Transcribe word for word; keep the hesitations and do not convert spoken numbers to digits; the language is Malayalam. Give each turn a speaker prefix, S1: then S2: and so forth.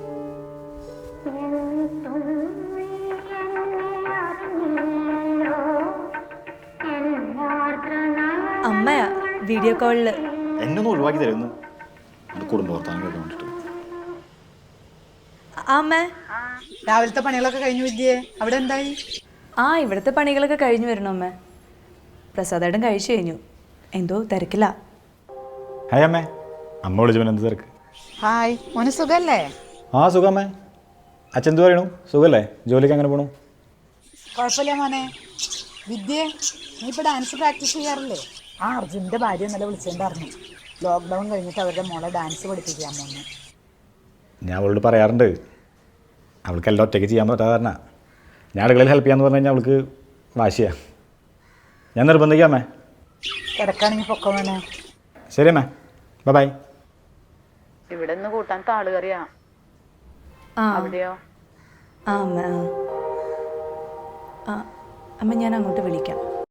S1: അമ്മയാ വീഡിയോ കോളില്.
S2: എന്നെ ഒന്ന് ഒഴിവാക്കി തരുന്നു കുടുംബവർത്താനം കേൾക്കാൻ.
S1: അമ്മ
S3: രാവിലത്തെ പണികളൊക്കെ കഴിഞ്ഞു വിദ്യേ, അവിടെ എന്തായി?
S1: ആ ഇവിടുത്തെ പണികളൊക്കെ കഴിഞ്ഞു വരണോ അമ്മ. പ്രസാദേട്ടൻ കഴിച്ചു കഴിഞ്ഞു, എന്തോ തിരക്കില്ല.
S2: ഹായ് അമ്മേ. അമ്മ വിളിച്ചു എന്ത് തിരക്ക്?
S3: ഹായ് മോന് സുഖല്ലേ?
S2: ആ സുഖമ്മേ. അച്ഛൻ എന്ത് പറയണു? സുഖല്ലേ? ജോലിക്ക് അങ്ങനെ പോണു?
S3: കുഴപ്പമില്ല മോനെ. വിദ്യേ, നീ ഇപ്പോൾ ഡാൻസ് പ്രാക്ടീസ് ചെയ്യാറില്ലേ? ആ അർജുൻ്റെ ഭാര്യ ഇന്നലെ വിളിച്ചിട്ടുണ്ടായിരുന്നു. ലോക്ക്ഡൗൺ കഴിഞ്ഞിട്ട് അവരുടെ മോളെ ഡാൻസ് പഠിപ്പിക്കാൻ മോനെ.
S2: ഞാൻ അവളോട് പറയാറുണ്ട്, അവൾക്ക് എല്ലാം ഒറ്റയ്ക്ക് ചെയ്യാൻ പറ്റാതെ കാരണം ഞാൻ അടുക്കളയിൽ ഹെൽപ്പ് ചെയ്യാന്ന് പറഞ്ഞു കഴിഞ്ഞാൽ അവൾക്ക് വാശിയാണ്. ഞാൻ നിർബന്ധിക്കാമേ.
S3: കിടക്കാണെങ്കിൽ പൊക്കം മോനെ.
S2: ശരി അമ്മേ, ബൈ ബൈ.
S3: ഇവിടെ നിന്ന് കൂട്ടാൻ താളുകറിയാ.
S1: ആ
S3: അവിടെയോ?
S1: ആ അമ്മ ആ അമ്മ ഞാൻ അങ്ങോട്ട് വിളിക്കാം.